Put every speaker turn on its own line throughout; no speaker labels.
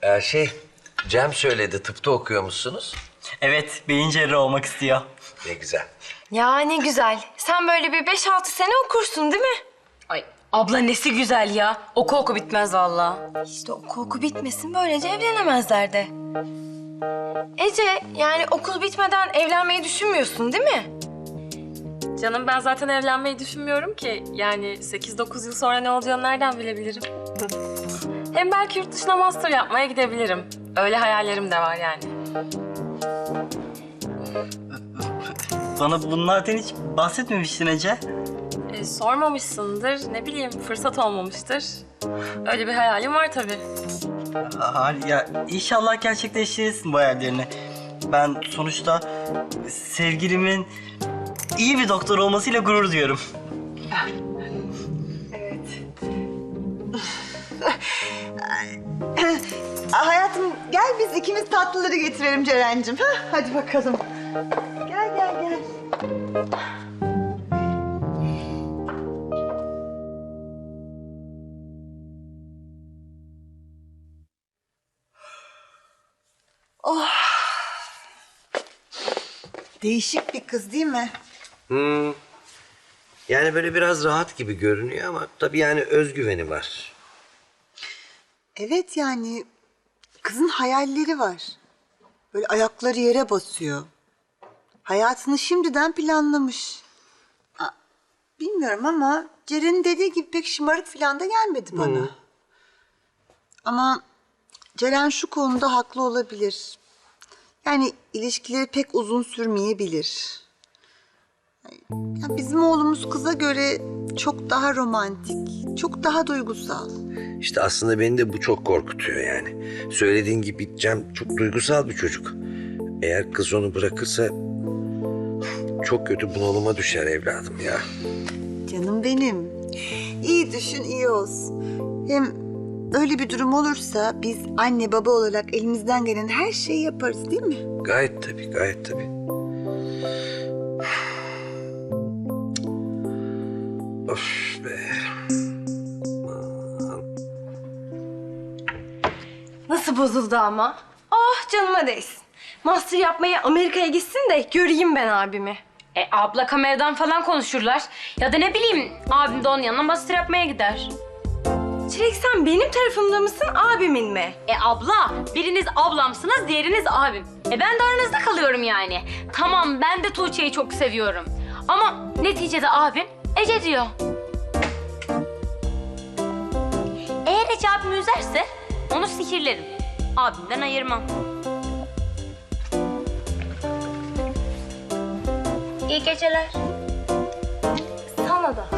Cem söyledi, tıpta okuyormuşsunuz.
Evet, beyin cerrahı olmak istiyor.
Ne güzel.
Ya ne güzel. Sen böyle bir 5-6 sene okursun değil mi?
Ay abla nesi güzel ya. Oku bitmez vallahi.
İşte oku bitmesin, böylece evlenemezler de. Ece, yani okul bitmeden evlenmeyi düşünmüyorsun değil mi?
Canım ben zaten evlenmeyi düşünmüyorum ki. Yani 8-9 yıl sonra ne olacağını nereden bilebilirim? Hem belki yurt dışına master yapmaya gidebilirim. Öyle hayallerim de var yani.
Bana bunlardan hiç bahsetmemiştin Ece.
Sormamışsındır, ne bileyim fırsat olmamıştır. Öyle bir hayalim var tabii.
Ya inşallah gerçekleştirirsin bu hayallerini. Ben sonuçta sevgilimin iyi bir doktor olmasıyla gurur duyuyorum.
Hayatım gel biz ikimiz tatlıları getirelim Ceren'cim. Hadi bakalım. Gel gel gel. Oh. Değişik bir kız değil mi?
Yani böyle biraz rahat gibi görünüyor ama tabii yani özgüveni var.
Evet yani kızın hayalleri var. Böyle ayakları yere basıyor. Hayatını şimdiden planlamış. Bilmiyorum ama Ceren'in dediği gibi pek şımarık falan da gelmedi bana. Ama Ceren şu konuda haklı olabilir. Yani ilişkileri pek uzun sürmeyebilir. Ya bizim oğlumuz kıza göre çok daha romantik, çok daha duygusal.
İşte aslında beni de bu çok korkutuyor yani. Söylediğin gibi Cem çok duygusal bir çocuk. Eğer kız onu bırakırsa çok kötü bunalıma düşer evladım ya.
Canım benim. İyi düşün, iyi olsun. Hem öyle bir durum olursa biz anne baba olarak elimizden gelen her şeyi yaparız değil mi?
Gayet tabii, gayet tabii. Of be.
Nasıl bozuldu ama? Oh canıma değsin. Master yapmaya Amerika'ya gitsin de göreyim ben abimi.
Abla kameradan falan konuşurlar. Ya da ne bileyim abim de onun yanına master yapmaya gider.
Çilek sen benim tarafımda mısın, abimin mi?
Abla biriniz ablamsınız diğeriniz abim. Ben de aranızda kalıyorum yani. Tamam ben de Tuğçe'yi çok seviyorum. Ama neticede abim Ece diyor. Eğer Ece abimi üzerse onu sihirlerim. Abimden ayırmam. İyi geceler.
Sana da.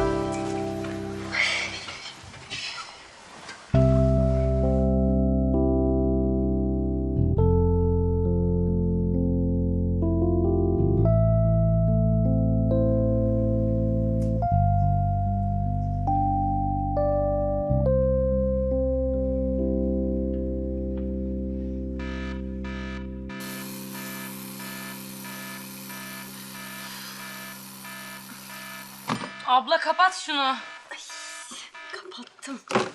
Abla kapat şunu.
Kapattım.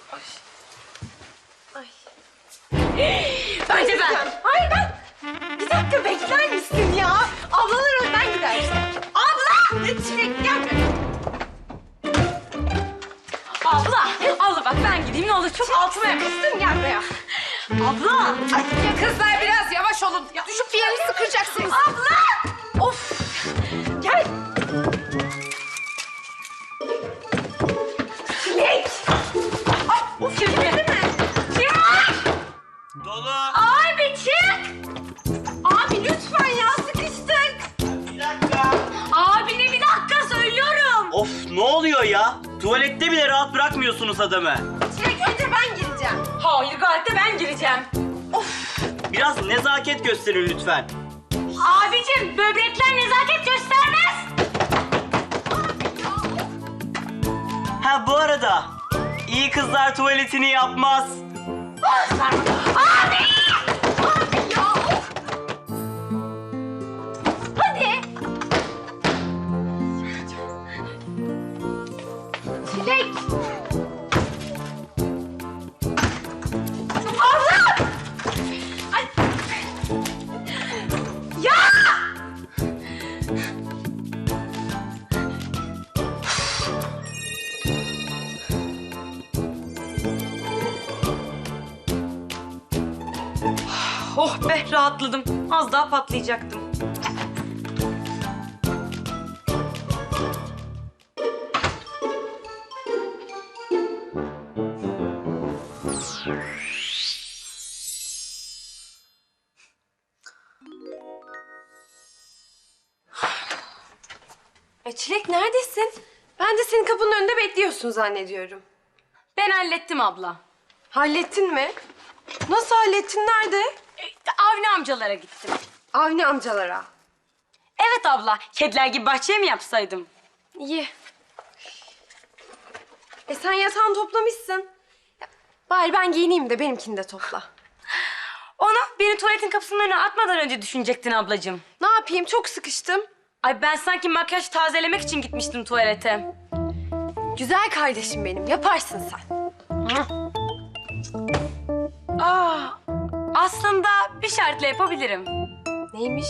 Önce ben.
Hayır ben. Bir dakika bekler misin ya? Ablalar önden gidersin. Abla! Çilek gel.
Abla bak ben gideyim ne olur çok altıma yakıştın gel buraya. Abla.
Kızlar biraz yavaş olun. Düşüp bir yerini sıkıracaksınız.
Abla. Of.
Gel. Çilek. Ay bu kirledi mi? Çilek.
Dolu.
Abi çık. Abi lütfen ya sıkıştık.
Bir dakika.
Abine bir dakika söylüyorum.
Of ne oluyor ya? Tuvalette bile rahat bırakmıyorsunuz adamı.
Çilek önce ben gireceğim.
Hayır gayet de ben gireceğim.
Biraz nezaket gösterin lütfen.
Abicim böbrekler nezaket göstermez.
Ha bu arada iyi kızlar tuvaletini yapmaz.
Abi! Abi ya! Hadi!
Çilek. Abla!
Oh be rahatladım. Az daha patlayacaktım.
Çilek neredesin? Ben de senin kapının önünde bekliyorsun zannediyorum.
Ben hallettim abla.
Hallettin mi? Nasıl hallettin? Nerede?
Avni amcalara gittim.
Avni amcalara.
Evet abla. Kediler gibi bahçeye mi yapsaydım?
İyi. Sen yatağını toplamışsın. Bari ben giyineyim de benimkini de topla.
Onu beni tuvaletin kapısının önüne atmadan önce düşünecektin ablacığım.
Ne yapayım? Çok sıkıştım.
Ay ben sanki makyaj tazelemek için gitmiştim tuvalete.
Güzel kardeşim benim. Yaparsın sen.
Aslında bir şartla yapabilirim.
Neymiş?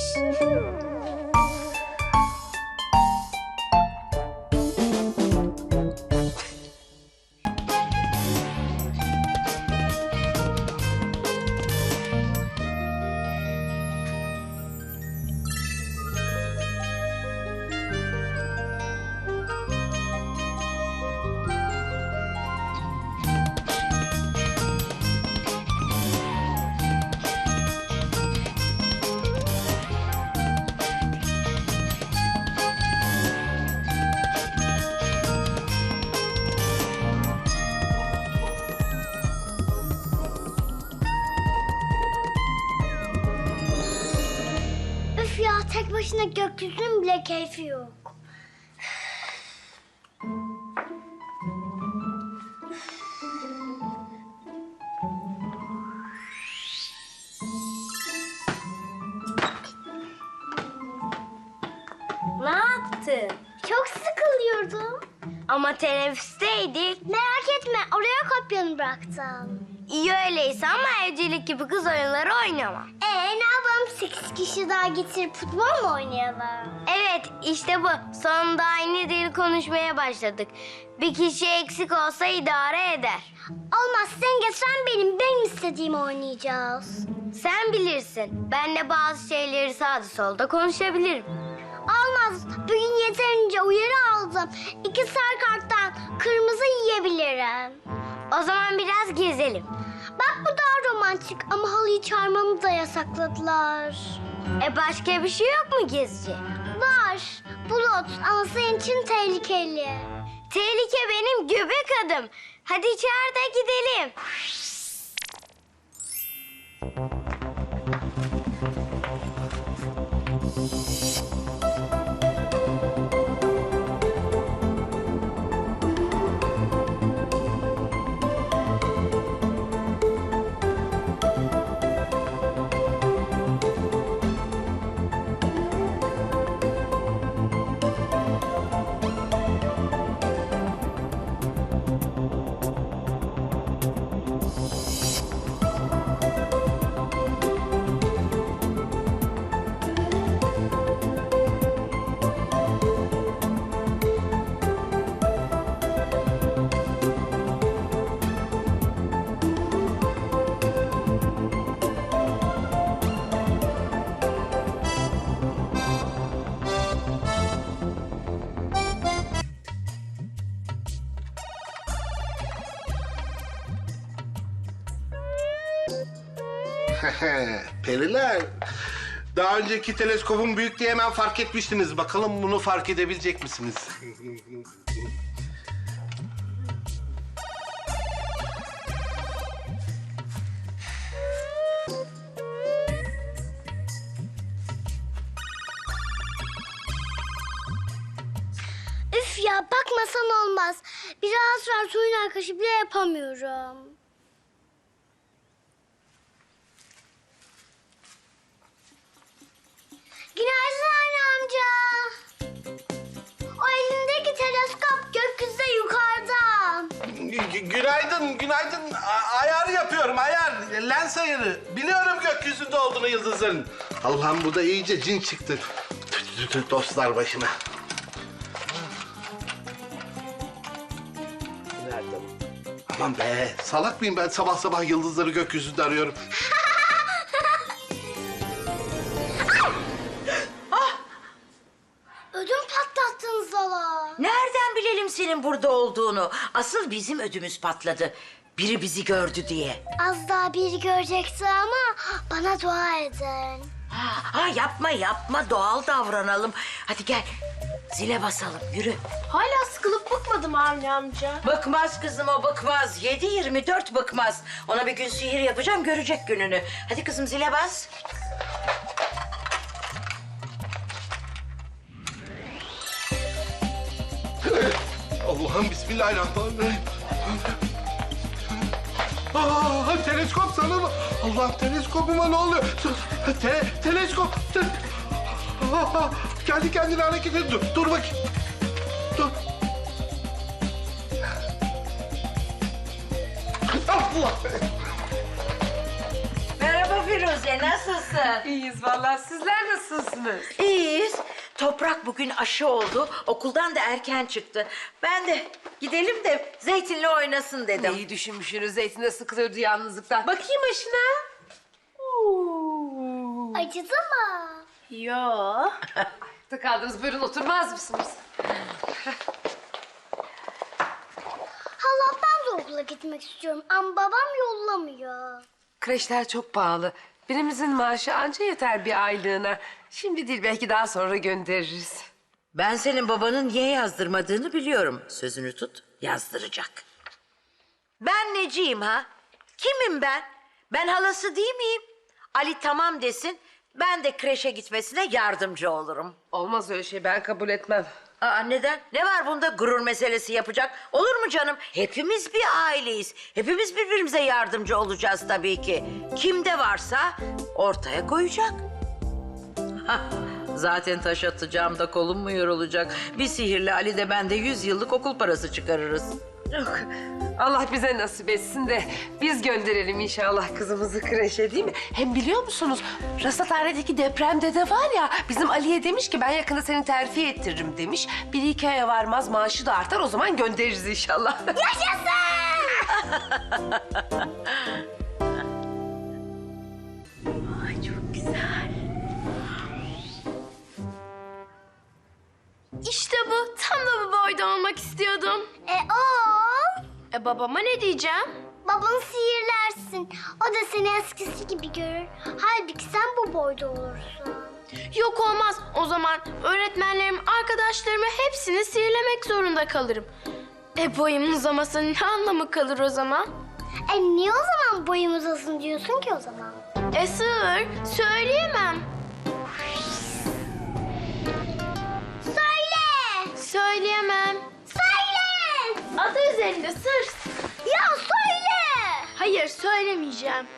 Üf ya, tek başına gökyüzünün bile keyfi yok. Ne yaptın? Çok sıkılıyordum. Ama teneffüsteydik. Merak etme, oraya kopyanı bıraktım. İyi öyleyse ama evcilik gibi kız oyunları oynamam. Ne yapalım? 8 kişi daha getirip futbol mu oynayalım? Evet, işte bu. Sonunda aynı dil konuşmaya başladık. Bir kişi eksik olsa idare eder. Olmaz, sen getiren benim istediğimi oynayacağız. Sen bilirsin. Ben de bazı şeyleri sağda solda konuşabilirim. Olmaz. Bugün yeterince uyarı aldım. 2 sarı karttan kırmızı yiyebilirim. O zaman biraz gezelim. Bak bu daha romantik ama halıyı çağırmamı da yasakladılar. Başka bir şey yok mu gezici? Var. Bulut ama senin için tehlikeli. Tehlike benim göbek adım. Hadi içeride gidelim.
Periler. Daha önceki teleskopun büyüklüğü hemen fark etmiştiniz. Bakalım bunu fark edebilecek misiniz?
Üf ya, bakmasan olmaz. Biraz var, suyun arkadaşı bile yapamıyorum. Günaydın anne amca. O elindeki teleskop gökyüzünde yukarıda.
Günaydın, günaydın. Ayar yapıyorum, ayar. Lens ayarı. Biliyorum gökyüzünde olduğunu yıldızların. Allah'ım bu da iyice cin çıktı. Dostlar başıma. Nerede? Aman be, salak mıyım ben sabah sabah yıldızları gökyüzünde arıyorum.
senin burada olduğunu. Asıl bizim ödümüz patladı. Biri bizi gördü diye.
Az daha biri görecekti ama bana dua edin.
Ha yapma doğal davranalım. Hadi gel zile basalım yürü.
Hala sıkılıp bıkmadım Avni amca.
Bıkmaz kızım o bıkmaz. 7/24 bıkmaz. Ona bir gün sihir yapacağım görecek gününü. Hadi kızım zile bas.
Allah'ım bismillahirrahmanirrahim. Teleskop sana mı? Allah'ım teleskopuma ne oluyor? Teleskop. Kendi kendine hareket ediyor. Dur bakayım. Dur. Allah!
Merhaba Firuze nasılsın?
İyiyiz vallahi. Sizler nasılsınız?
İyiyiz. Toprak bugün aşı oldu. Okuldan da erken çıktı. Ben de gidelim de Zeytin'le oynasın dedim.
İyi düşünmüşsünüz. Zeytin de sıkılıyordu yalnızlıktan. Bakayım aşına.
Acıdı mı?
Yo.
Ayakta kaldınız. Buyurun oturmaz mısınız?
Hala ben de okula gitmek istiyorum ama babam yollamıyor.
Kreşler çok pahalı. Birimizin maaşı anca yeter bir aylığına. Şimdi değil belki daha sonra göndeririz.
Ben senin babanın niye yazdırmadığını biliyorum. Sözünü tut, yazdıracak. Ben neciyim ha? Kimim ben? Ben halası değil miyim? Ali tamam desin, ben de kreşe gitmesine yardımcı olurum.
Olmaz öyle şey ben kabul etmem.
Aa neden? Ne var bunda gurur meselesi yapacak? Olur mu canım? Hepimiz bir aileyiz. Hepimiz birbirimize yardımcı olacağız tabii ki. Kimde varsa ortaya koyacak. Hah, zaten taş atacağım da kolum mu yorulacak? Bir sihirli Ali de ben de 100 yıllık okul parası çıkarırız.
Yok. Allah bize nasip etsin de biz gönderelim inşallah kızımızı kreşe değil mi? Hem biliyor musunuz rasathanedeki depremde de var ya bizim Ali'ye demiş ki ben yakında seni terfi ettiririm demiş. 1-2 aya varmaz maaşı da artar o zaman göndeririz inşallah.
Ay çok güzel.
İşte bu. Tam da bu boyda olmak istiyordum. Babama ne diyeceğim?
Babanı sihirlersin. O da seni eskisi gibi görür. Halbuki sen bu boyda olursun.
Yok olmaz. O zaman öğretmenlerim, arkadaşlarımı hepsini sihirlemek zorunda kalırım. Boyumun uzamasının ne anlamı kalır o zaman?
Niye o zaman boyum uzasın diyorsun ki o zaman?
Sır, söyleyemem.
Söyle!
Söyleyemem.
Söyle!
Adı üzerinde sır.
Ya söyle!
Hayır, söylemeyeceğim.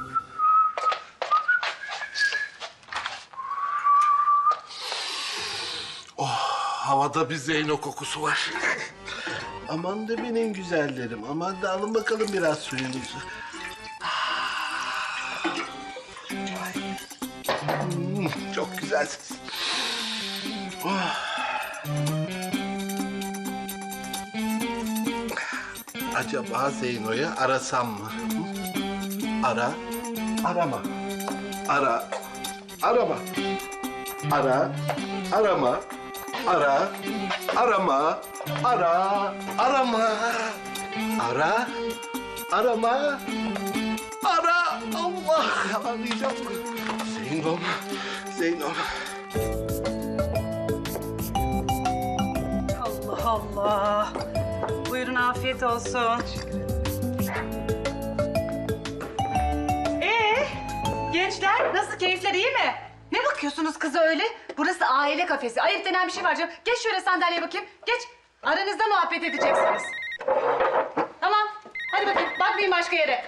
Havada bir Zeyno kokusu var. Aman da benim güzellerim. Aman da alın bakalım biraz suyunuzu. Çok güzelsiniz. Acaba Zeyno'yu arasam mı? Ara, arama. Ara, arama. Ara, arama. Ara, arama. Ara, arama. Ara, arama. Ara, Allah arayacağım. Zeynom, Zeynom.
Allah Allah. Buyurun afiyet olsun. Gençler nasıl keyifler iyi mi? Ne bakıyorsunuz kıza öyle? Burası aile kafesi. Ayıp denen bir şey var canım. Geç şöyle sandalyeye bakayım. Geç. Aranızda muhabbet edeceksiniz. Tamam. Hadi bakayım. Bakmayın başka yere.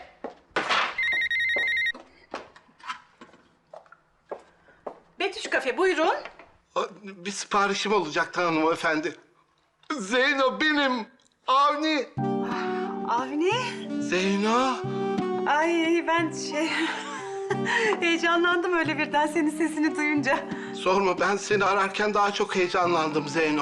Betüş kafe buyurun.
Bir siparişim olacaktı hanımefendi. Zeyno benim. Avni.
Avni.
Zeyno.
Ay ben heyecanlandım öyle birden senin sesini duyunca.
Sorma ben seni ararken daha çok heyecanlandım Zeyno.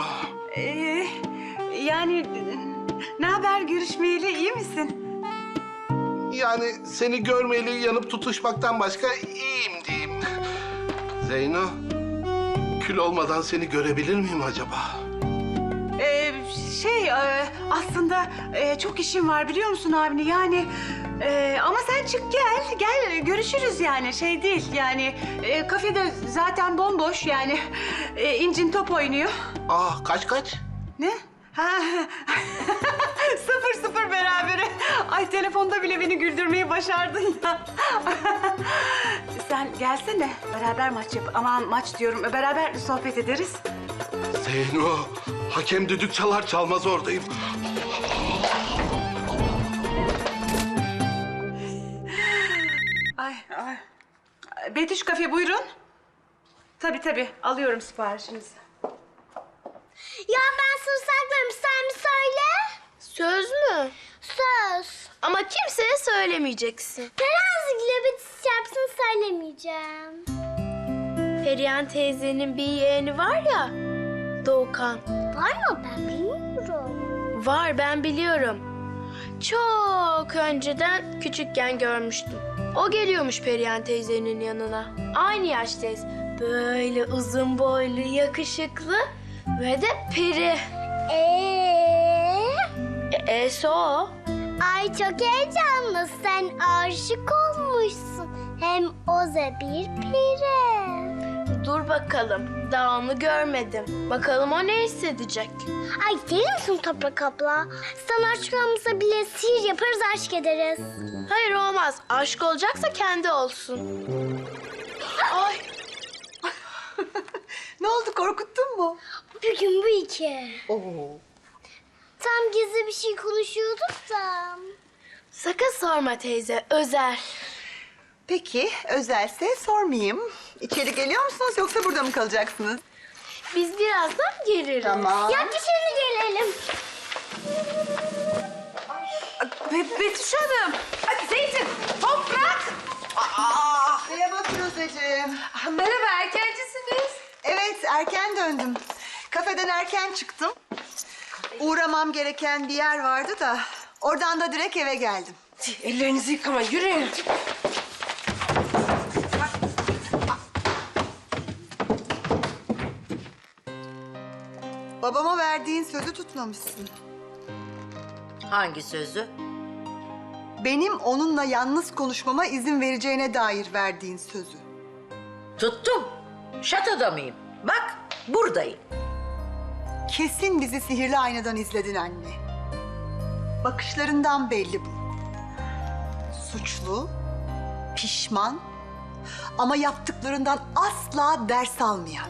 Yani ne haber görüşmeyeli iyi misin?
Yani seni görmeyeli yanıp tutuşmaktan başka iyiyim diyeyim. Zeyno, kül olmadan seni görebilir miyim acaba?
Aslında çok işim var biliyor musun Avni? Yani ama sen çık gel görüşürüz yani şey değil yani kafede zaten bomboş yani İncin top oynuyor.
Kaç?
Ne? Ha. 0-0 berabere. Ay telefonda bile beni güldürmeyi başardın ya. Sen gelsene beraber maç yap. Aman maç diyorum beraber sohbet ederiz.
Zeyno, hakem düdük çalar çalmaz oradayım.
Ay. Betüş Kafe buyurun. Tabii alıyorum siparişinizi.
Ya ben sır saklarım, sen mi söyle?
Söz mü?
Söz.
Ama kimseye söylemeyeceksin.
Terazigile bitiş yapsın söylemeyeceğim.
Perihan teyzenin bir yeğeni var ya, Doğukan.
Var mı? Ben bilmiyorum.
Var, ben biliyorum. Çok önceden küçükken görmüştüm. O geliyormuş Perihan teyzenin yanına. Aynı yaştayız. Böyle uzun boylu, yakışıklı ve de peri. E'si o.
Ay çok heyecanlı. Sen aşık olmuşsun. Hem o da bir peri.
Dur bakalım. Daha onu görmedim. Bakalım o ne hissedecek.
Ay deli misin Toprak abla? Sana aşk olmasa bile sihir yaparız, aşk ederiz.
Hayır olmaz. Aşk olacaksa kendi olsun. Ay.
Ne oldu, korkuttun mu?
Bugün bu iki.
Oo.
Tam gizli bir şey konuşuyorduk da.
Sakın sorma teyze. Özel.
Peki, özelse sormayayım. İçeri geliyor musunuz yoksa burada mı kalacaksınız?
Biz birazdan geliriz.
Tamam.
Ya dışarı gelelim.
Betüş Hanım. Ay, Zeytin, Toprak.
Merhaba Firuzeciğim.
Merhaba, erkencisiniz.
Evet, erken döndüm. Kafeden erken çıktım. Uğramam gereken bir yer vardı da oradan da direkt eve geldim.
Ellerinizi yıkamayın, yürüyün.
Babama verdiğin sözü tutmamışsın.
Hangi sözü?
Benim onunla yalnız konuşmama izin vereceğine dair verdiğin sözü.
Tuttum. Şatoda mıyım? Bak buradayım.
Kesin bizi sihirli aynadan izledin anne. Bakışlarından belli bu. Suçlu, pişman ama yaptıklarından asla ders almayan.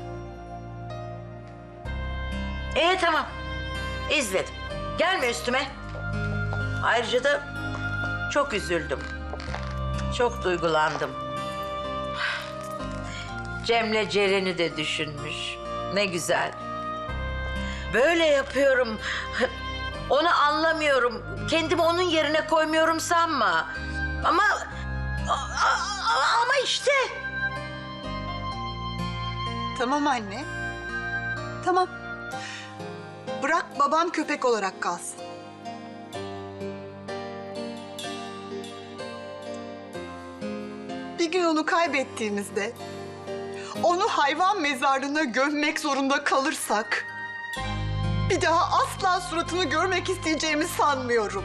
Tamam. İzledim. Gelme üstüme. Ayrıca da çok üzüldüm. Çok duygulandım. Cem'le Ceren'i de düşünmüş. Ne güzel. Böyle yapıyorum. Onu anlamıyorum. Kendimi onun yerine koymuyorum sanma. Ama işte.
Tamam anne. Tamam. Bırak babam köpek olarak kalsın. Bir gün onu kaybettiğimizde, onu hayvan mezarlığına gömmek zorunda kalırsak, bir daha asla suratını görmek isteyeceğimi sanmıyorum.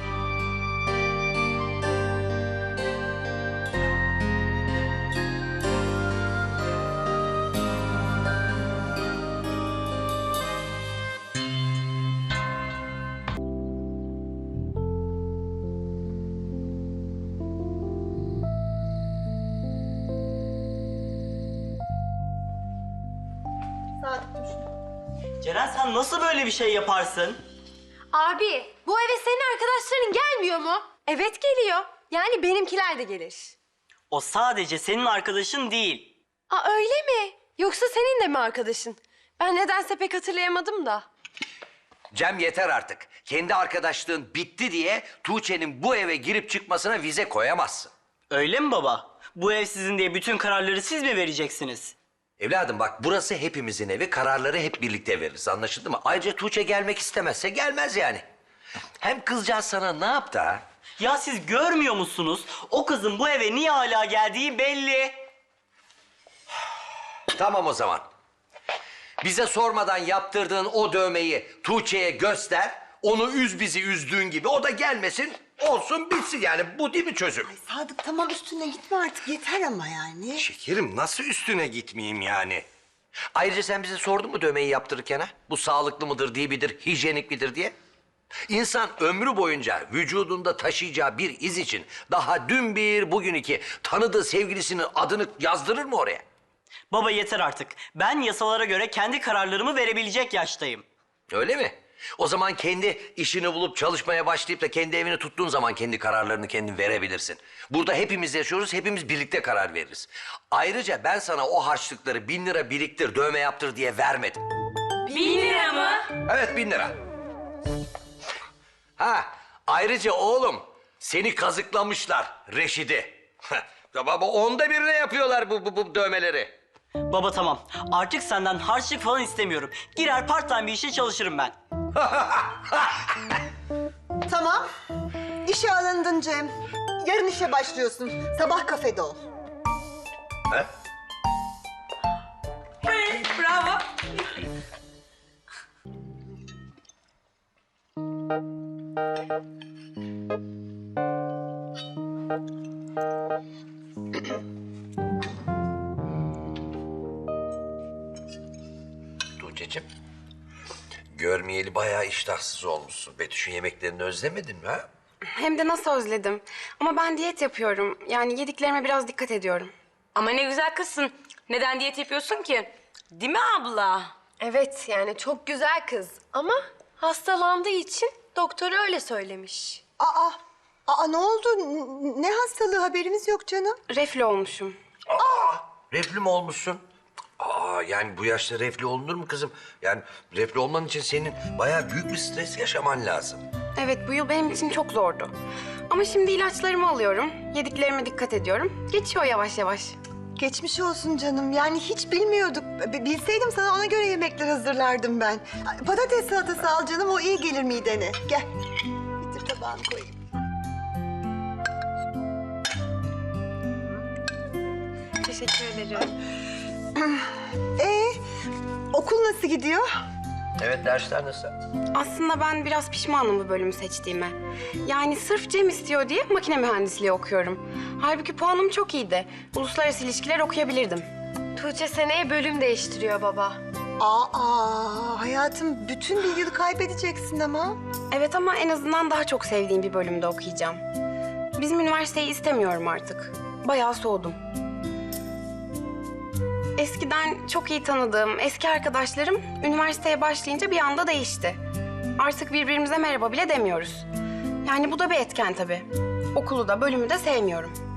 Ceren sen nasıl böyle bir şey yaparsın?
Abi, bu eve senin arkadaşların gelmiyor mu? Evet geliyor. Yani benimkiler de gelir.
O sadece senin arkadaşın değil.
Aa öyle mi? Yoksa senin de mi arkadaşın? Ben nedense pek hatırlayamadım da.
Cem yeter artık. Kendi arkadaşlığın bitti diye Tuğçe'nin bu eve girip çıkmasına vize koyamazsın.
Öyle mi baba? Bu ev sizin diye bütün kararları siz mi vereceksiniz?
Evladım bak burası hepimizin evi. Kararları hep birlikte veririz. Anlaşıldı mı? Ayrıca Tuğçe gelmek istemezse gelmez yani. Hem kızcağız sana ne yaptı ha?
Ya siz görmüyor musunuz? O kızın bu eve niye hala geldiği belli.
Tamam o zaman. Bize sormadan yaptırdığın o dövmeyi Tuğçe'ye göster. Onu üz bizi üzdüğün gibi o da gelmesin, olsun bitsin yani. Bu değil mi çözüm?
Ay Sadık tamam üstüne gitme artık yeter ama yani.
Şekerim nasıl üstüne gitmeyeyim yani? Ayrıca sen bize sordun mu dövmeyi yaptırırken ha? Bu sağlıklı mıdır, değil midir, hijyenik midir diye? İnsan ömrü boyunca vücudunda taşıyacağı bir iz için daha dün bir, bugün iki tanıdığı sevgilisinin adını yazdırır mı oraya?
Baba yeter artık. Ben yasalara göre kendi kararlarımı verebilecek yaştayım.
Öyle mi? O zaman kendi işini bulup çalışmaya başlayıp da kendi evini tuttuğun zaman kendi kararlarını kendin verebilirsin. Burada hepimiz yaşıyoruz, hepimiz birlikte karar veririz. Ayrıca ben sana o harçlıkları 1000 lira biriktir, dövme yaptır diye vermedim.
1000 lira mı?
Evet 1000 lira. Ha, ayrıca oğlum seni kazıklamışlar Reşid'i. Baba 1/10 yapıyorlar bu dövmeleri.
Baba tamam. Artık senden harçlık falan istemiyorum. Girer part time bir işe çalışırım ben.
Tamam. İşe alındın Cem. Yarın işe başlıyorsun. Sabah kafede ol.
He?
Bravo.
Tuğçe'cim, görmeyeli bayağı iştahsız olmuşsun. Betüş'ün yemeklerini özlemedin mi ha?
Hem de nasıl özledim. Ama ben diyet yapıyorum. Yani yediklerime biraz dikkat ediyorum.
Ama ne güzel kızsın. Neden diyet yapıyorsun ki? Değil mi abla?
Evet yani çok güzel kız ama hastalandığı için doktor öyle söylemiş.
Aa ne oldu? Ne hastalığı haberimiz yok canım.
Reflü olmuşum.
Reflü mü olmuşsun? Yani bu yaşta reflü olunur mu kızım? Yani reflü olman için senin bayağı büyük bir stres yaşaman lazım.
Evet bu yıl benim için çok zordu. Ama şimdi ilaçlarımı alıyorum. Yediklerime dikkat ediyorum. Geçiyor yavaş yavaş.
Geçmiş olsun canım. Yani hiç bilmiyorduk. Bilseydim sana ona göre yemekler hazırlardım ben. Patates salatası al canım, o iyi gelir midene. Gel. Bitir tabağını koyayım.
Teşekkür ederim.
Okul nasıl gidiyor?
Evet, dersler nasıl?
Aslında ben biraz pişmanım bu bölümü seçtiğime. Yani sırf Cem istiyor diye makine mühendisliği okuyorum. Halbuki puanım çok iyiydi. Uluslararası ilişkiler okuyabilirdim.
Tuğçe seneye bölüm değiştiriyor baba.
Hayatım bütün bir yıl kaybedeceksin ama.
Evet ama en azından daha çok sevdiğim bir bölümde okuyacağım. Bizim üniversiteyi istemiyorum artık. Bayağı soğudum. Eskiden çok iyi tanıdığım eski arkadaşlarım üniversiteye başlayınca bir anda değişti. Artık birbirimize merhaba bile demiyoruz. Yani bu da bir etken tabii. Okulu da bölümü de sevmiyorum.